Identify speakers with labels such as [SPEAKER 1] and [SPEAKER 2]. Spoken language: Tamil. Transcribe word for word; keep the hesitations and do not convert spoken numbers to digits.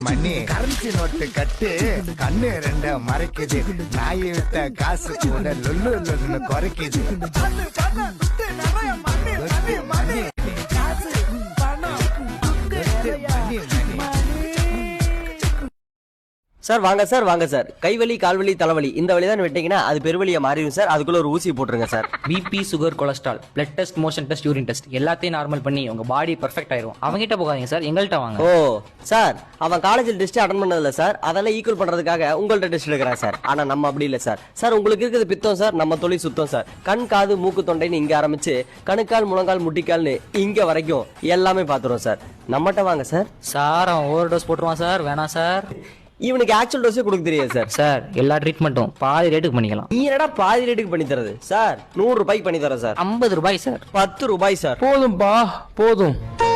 [SPEAKER 1] மணி கரன்சி நோட்டு கட்டு கண்ணு ரெண்ட மறைக்குது நாயை விட்ட காசு கூட லொல்லு லொல்லுன்னு குறைக்குது.
[SPEAKER 2] சார் வாங்க சார் வாங்க சார். கைவலி கால்வலி தலைவலி இந்த வழி தான் வெட்டிங்கன்னா அது பெருவலியா மாறிடும் சார். அதுக்குள்ள ஒரு ஊசி போட்டுருங்க sir.
[SPEAKER 3] BP, sugar, cholesterol, blood test, motion test, urine test எல்லாத்தையும் நார்மல் பண்ணி உங்க பாடி பெர்ஃபெக்ட் ஆயிரும். அவங்ககிட்ட போகாதீங்க சார், எங்கள்கிட்ட வாங்க.
[SPEAKER 2] ஓ சார், அவன் காலேஜில் டெஸ்ட் அட்டன் பண்ணதில்ல சார், அதெல்லாம் ஈக்குவல் பண்றதுக்காக உங்கள்ட்ட டெஸ்ட் எடுக்கிறான் சார். ஆனா நம்ம அப்படி இல்லை சார். சார் உங்களுக்கு இருக்கிறது பித்தம் சார், நம்ம தொழில் சுத்தம் சார். கண் காது மூக்கு தொண்டைன்னு இங்க ஆரம்பிச்சு கணுக்கால் முழங்கால் முட்டிக்கால்னு இங்க வரைக்கும் எல்லாமே பாத்துருவோம் சார். நம்மகிட்ட வாங்க சார்.
[SPEAKER 3] சார் அவன் ஓவர் டோஸ் போட்டுருவான் சார், வேணாம் சார்.
[SPEAKER 2] இவனுக்கு ஆக்சுவல் டோஸே கொடுக்க தெரியாது சார்.
[SPEAKER 3] சார் எல்லா ட்ரீட்மெண்ட்டும் பாதி ரேட்டுக்கு பண்ணிக்கலாம்.
[SPEAKER 2] நீ என்னடா பாதி ரேட்டுக்கு பண்ணி தரது சார்? நூறு ரூபாய்க்கு பண்ணி தரேன் சார்.
[SPEAKER 3] ஐம்பது ரூபாய் சார்.
[SPEAKER 2] பத்து ரூபாய் சார்.
[SPEAKER 4] போதும்பா போதும்.